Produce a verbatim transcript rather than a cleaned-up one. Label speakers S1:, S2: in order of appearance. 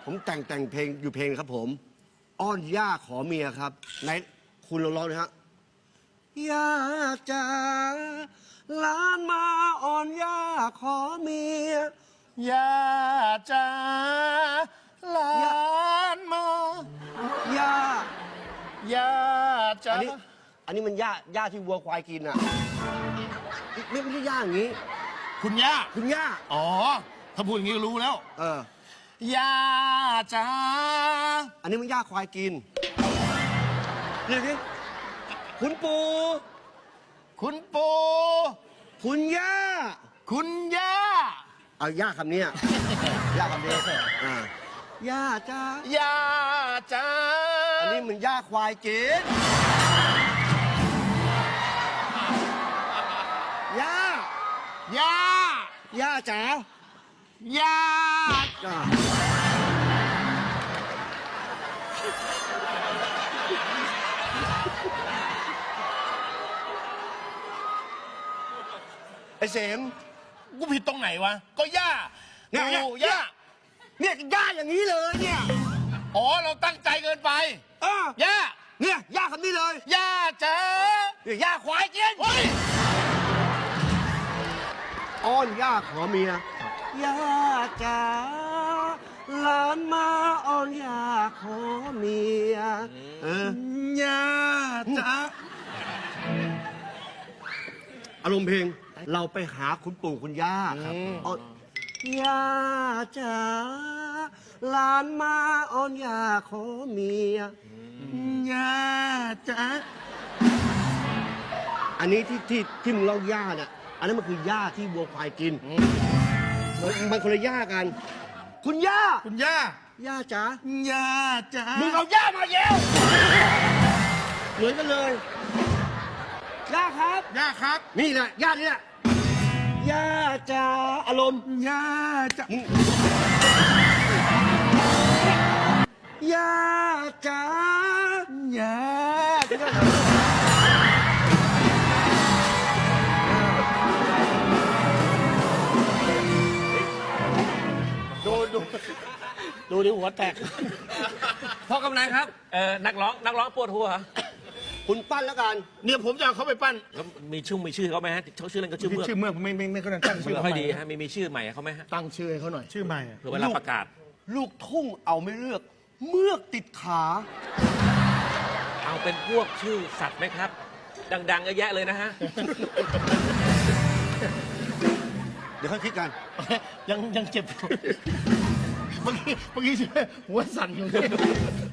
S1: ผมแต่งแต่งเพลงอยู่เพลงครับผมอ้อนย่าขอเมียครับไหนคุณลองร้องนะฮะย่าจ๋าหลานมาอ้อนย่าขอเมีย
S2: ย่าจ๋าหลานมา
S1: ย่า
S2: ย่าจ๋า
S1: อันนี้อันนี้มันย่าย่าที่วัวควายกินอ่ะไม่ไม่ใช่ย่าอย่างนี้
S2: คุณย่า
S1: คุณย่า
S2: อ๋อ ถ้าพูดอย่างนี้ก็รู้แล้ว
S1: เอ
S2: ย่า
S1: อ
S2: จ๋า
S1: อันนี้มันย่าควายกินเรียกดิคุณปู่
S2: คุณปู่
S1: คุณย่า
S2: คุณย่า
S1: เอาย่าคำนี้ ย่าคำนี้อ่าย่าจ้า
S2: ย่าจ๋า
S1: อันนี้มันย่าควายกินย่า
S2: ย่า
S1: ย่าจ๋า
S2: ย่า
S1: จ้าไอ้เสม
S2: กูผิดตรงไหนวะ ก็ย่า
S1: เนี่ยเนี่ย
S2: ปู่ย่า
S1: เนี่ยย่าอย่างนี้เลยเนี่ย
S2: อ๋อ เราตั้งใจเกินไป
S1: เออย่
S2: า
S1: เนี่ยย่าคำนี้เลย
S2: ย่าจ๋า
S1: เนี่ยย่าควายกิน
S2: เฮ้ย
S1: อ้อนย่าขอเมียย่าจ๋าหลานมาอ้อนย่าขอเมียเออย่
S2: าจ๋า
S1: อารมณ์เพลงเราไปหาคุณปู่คุณย่าครับอ้อนย่าจ๋าหลานมาอ้อนย่าขอเมีย
S2: ย่าจ๋า
S1: อันนี้ที่ที่ที่มึงเล่าย่าเนี่ยอันนั้นมันคือหญ้าที่วัวควายกินมันมันคนละหญ้ากัน คุณย่า
S2: คุณย่า
S1: ย่าจ๋า
S2: ย่าจ๋า
S1: มึงเอาย่ามาเย้วเหมือนกันเลยย่าครับ
S2: ย่าครับ
S1: นี่แหละย่านี่แหละย่าจ๋าอารมณ์
S2: ย่าจ๋า
S1: มึงย่าจ๋า
S2: ย่า
S1: ดูดูดูดิหัวแตก
S3: พ่อกำนันครับเอ่อนักร้องนักร้องปวดหัว
S1: คุณปั้นแล้วกัน
S2: เนี่ยผมจะเอาเขาไปปั้น
S3: แล้วมีชื่อมีชื่อเขาไหมฮะเขาชื่อเล่นก็ชื่อเมือก
S2: ชื่อเมืองไม่ไม่ไม่เขาตั้ง
S3: มัน
S2: ชื่อ
S3: ไม่ค่อยดีฮะมีมีชื่อใหม่เขาไหมฮะ
S2: ตั้งชื่อให้เขาหน่อยชื่อใหม่
S3: เผื่อเวลาประกาศ
S1: ลูกทุ่งเอาไม่เลือก เมือกติดขา
S3: เอาเป็นพวกชื่อสัตว์ไหมครับ ดังๆเยอะแยะเลยนะฮะ
S1: เดี๋ยวค่อยคิดกัน
S2: ยังยังเจ็บ เมื่อกี้เมื่อกี้หัวสั่นอยู่เลย